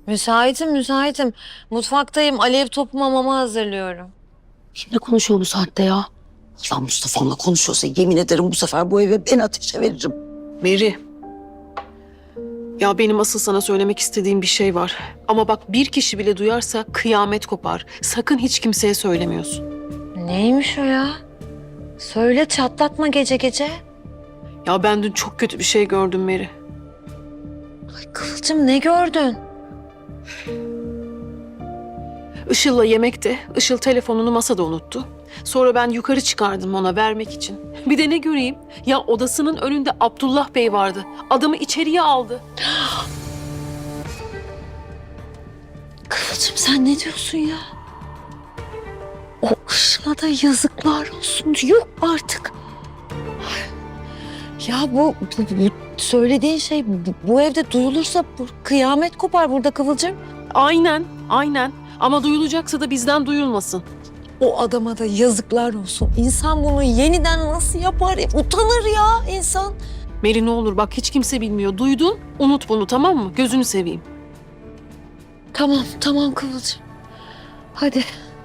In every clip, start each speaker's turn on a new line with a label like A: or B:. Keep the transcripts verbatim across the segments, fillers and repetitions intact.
A: Müsaitim, müsaitim. Mutfaktayım. Alev topu mamamı hazırlıyorum.
B: Kimle konuşuyor bu saatte ya? Ya Mustafa'mla konuşuyorsa yemin ederim bu sefer bu eve ben ateşe veririm.
C: Meri. Ya benim asıl sana söylemek istediğim bir şey var. Ama bak bir kişi bile duyarsa kıyamet kopar. Sakın hiç kimseye söylemiyorsun.
A: Neymiş o ya? Söyle, çatlatma gece gece.
C: Ya ben dün çok kötü bir şey gördüm Meri.
A: Ay Kıvılcım, ne gördün?
C: Işıl'la yemekte, Işıl telefonunu masada unuttu. Sonra ben yukarı çıkardım ona vermek için. Bir de ne göreyim? Ya odasının önünde Abdullah Bey vardı. Adamı içeriye aldı.
A: Kıvılcım, sen ne diyorsun ya? O Işıl'a da yazıklar olsun. Yok artık. Ya bu, bu, bu söylediğin şey bu, bu evde duyulursa bu, kıyamet kopar burada Kıvılcım.
C: Aynen, aynen. Ama duyulacaksa da bizden duyulmasın.
A: O adama da yazıklar olsun. İnsan bunu yeniden nasıl yapar? Utanır ya insan.
C: Meri ne olur bak hiç kimse bilmiyor. Duydun, unut bunu tamam mı? Gözünü seveyim.
A: Tamam, tamam Kıvılcım. Hadi.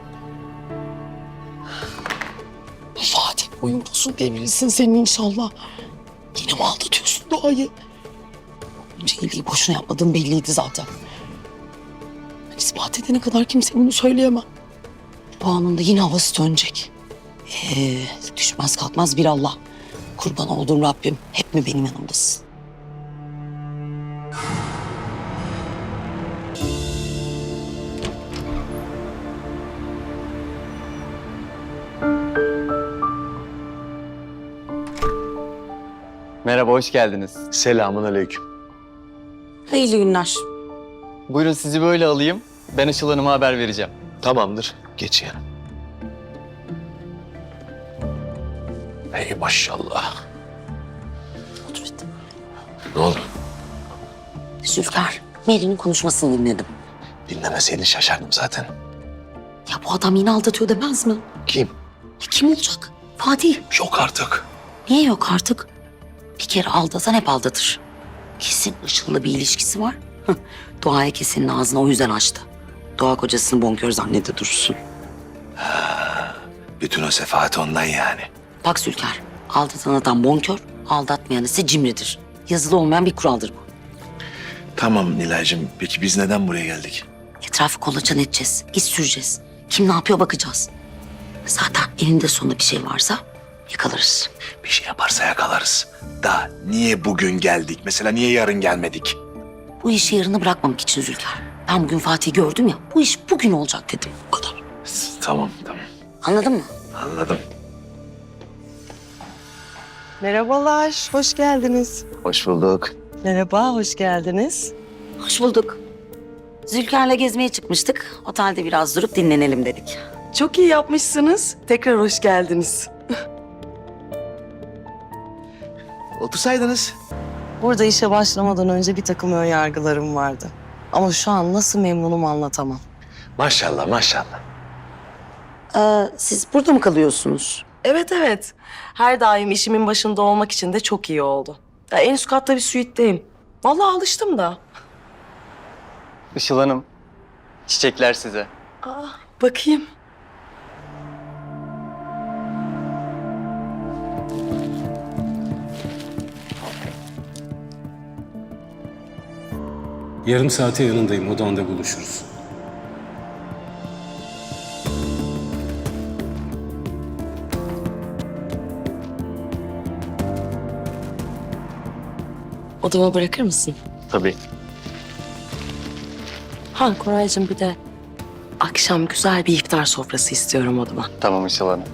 B: Fatih boyun posun devrilsin senin inşallah. Yine mi aldatıyorsun Doğa'yı? Önce iyiliği boşuna yapmadığın belliydi zaten. Ben ispat edene kadar kimse bunu söyleyemem. Doğan'ın da yine havası dönecek. Ee, düşmez kalkmaz bir Allah. Kurban olduğum Rabbim hep mi benim yanımdasın?
D: Merhaba, hoş geldiniz.
E: Selamun aleyküm.
B: Hayırlı günler.
D: Buyurun sizi böyle alayım. Ben Işıl Hanım'a haber vereceğim.
E: Tamamdır. Geç yana. Hey maşallah.
B: Otur hadi.
E: Ne oldu?
B: Zülfikar, Meri'nin konuşmasını dinledim.
E: Dinlemeseydin şaşardım zaten.
B: Ya bu adam yine aldatıyor demez mi?
E: Kim?
B: Ya kim olacak? Fatih.
E: Yok artık.
B: Niye yok artık? Bir kere aldatan hep aldatır. Kesin Işıl'la bir ilişkisi var. Hıh, Doğa'ya kesenin ağzını o yüzden açtı. Doğa kocasını bonkör zannede dursun.
E: Bütün o sefahat ondan yani.
B: Bak Zülker, aldatan adam bonkör, aldatmayan ise cimridir. Yazılı olmayan bir kuraldır bu.
E: Tamam Nilay'cığım. Peki biz neden buraya geldik?
B: Etrafı kolaçan edeceğiz, iz süreceğiz. Kim ne yapıyor bakacağız. Zaten elinde sonunda bir şey varsa yakalarız.
E: Bir şey yaparsa yakalarız. Da niye bugün geldik? Mesela niye yarın gelmedik?
B: Bu işi yarına bırakmamak için Zülker. Ben bugün Fatih'i gördüm ya, bu iş bugün olacak dedim. Bu kadar.
E: Tamam tamam.
B: Anladın mı?
E: Anladım.
F: Merhabalar, hoş geldiniz.
E: Hoş bulduk.
F: Merhaba, hoş geldiniz.
B: Hoş bulduk. Zülker'le gezmeye çıkmıştık. Otelde biraz durup dinlenelim dedik.
F: Çok iyi yapmışsınız. Tekrar hoş geldiniz.
E: Otursaydınız.
F: Burada işe başlamadan önce bir takım ön yargılarım vardı. Ama şu an nasıl memnunum anlatamam.
E: Maşallah maşallah.
B: Ee, siz burada mı kalıyorsunuz?
F: Evet, evet. Her daim işimin başında olmak için de çok iyi oldu. Ya, en üst katta bir suiteyim. Vallahi alıştım da.
D: Işıl Hanım, çiçekler size.
F: Aa, bakayım.
G: Yarım saate yanındayım. Odanda buluşuruz.
F: Odama bırakır mısın?
D: Tabii.
F: Ha Koraycığım, bir de akşam güzel bir iftar sofrası istiyorum odama.
D: Tamam Işıl Hanım.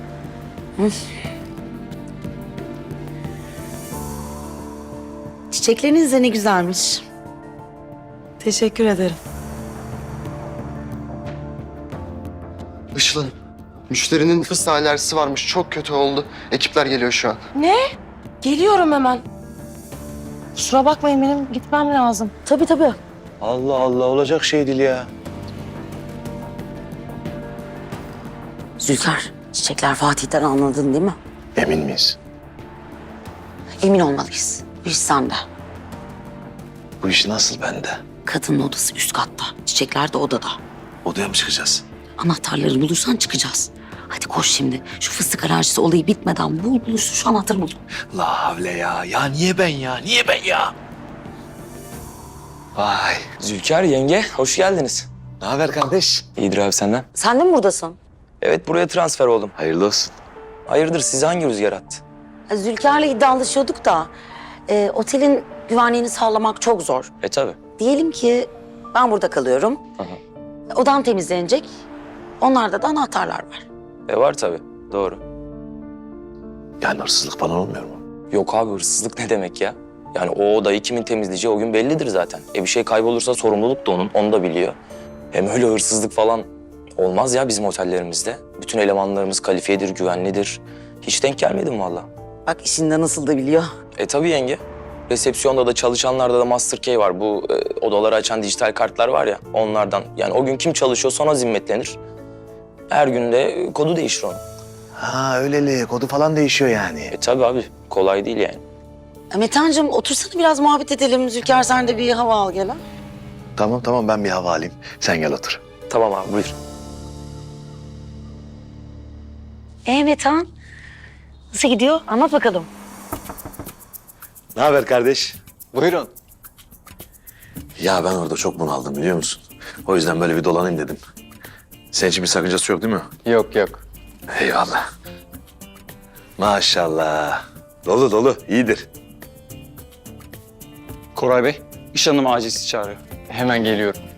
B: Çiçekleriniz de ne güzelmiş.
F: Teşekkür ederim.
H: Işıl Hanım, müşterinin fıstığa alerjisi varmış. Çok kötü oldu. Ekipler geliyor şu an.
F: Ne? Geliyorum hemen. Kusura bakmayın, benim gitmem lazım.
B: Tabii tabii.
E: Allah Allah olacak şey değil ya.
B: Zülker, çiçekler Fatih'ten anladın değil mi?
E: Emin miyiz?
B: Emin olmalıyız. Bu iş sende.
E: Bu iş nasıl bende?
B: Kadının odası üst katta. Çiçekler de odada.
E: Odaya mı çıkacağız?
B: Anahtarları bulursan çıkacağız. Hadi koş şimdi. Şu fıstık alerjisi olayı bitmeden bul bul şu anahtarı bul.
E: La havle ya. Ya niye ben ya? Niye ben ya? Vay.
I: Zülker yenge, hoş geldiniz.
E: Ne haber kardeş?
I: İyidir abi senden.
B: Sen de mi buradasın?
I: Evet, buraya transfer oldum.
E: Hayırlı olsun.
I: Hayırdır, sizi hangi rüzgar attı?
B: Zülker'le iddialaşıyorduk da e, otelin güvenliğini sağlamak çok zor.
I: E tabi.
B: Diyelim ki ben burada kalıyorum.
I: Hı hı.
B: Odam temizlenecek. Onlarda da anahtarlar var.
I: E var tabi, doğru.
E: Yani hırsızlık falan olmuyor mu?
I: Yok abi, hırsızlık ne demek ya? Yani o odayı kimin temizleyeceği o gün bellidir zaten. E bir şey kaybolursa sorumluluk da onun, onu da biliyor. Hem öyle hırsızlık falan olmaz ya bizim otellerimizde. Bütün elemanlarımız kalifiyedir, güvenlidir. Hiç denk gelmedim valla.
B: Bak işinde nasıl da biliyor.
I: E tabii yenge. Resepsiyonda da çalışanlarda da Master Key var. Bu e, odaları açan dijital kartlar var ya, onlardan. Yani o gün kim çalışıyor sonra zimmetlenir. Her gün de e, kodu değişir onun.
E: Ha öyleli. Kodu falan değişiyor yani.
I: E tabii abi, kolay değil yani.
B: E, Metehan'cığım otursana biraz muhabbet edelim. Zülker sen de bir hava al gel ha.
E: Tamam tamam ben bir hava alayım. Sen gel otur.
I: Tamam abi, buyur.
B: E Metehan nasıl gidiyor? Anlat bakalım.
E: Ne haber kardeş?
D: Buyurun.
E: Ya ben orada çok bunaldım biliyor musun? O yüzden böyle bir dolanayım dedim. Senin için bir sakıncası yok değil mi?
D: Yok yok.
E: Eyvallah. Maşallah. Dolu dolu, iyidir.
D: Koray Bey, iş hanımı acil sizi çağırıyor. Hemen geliyorum.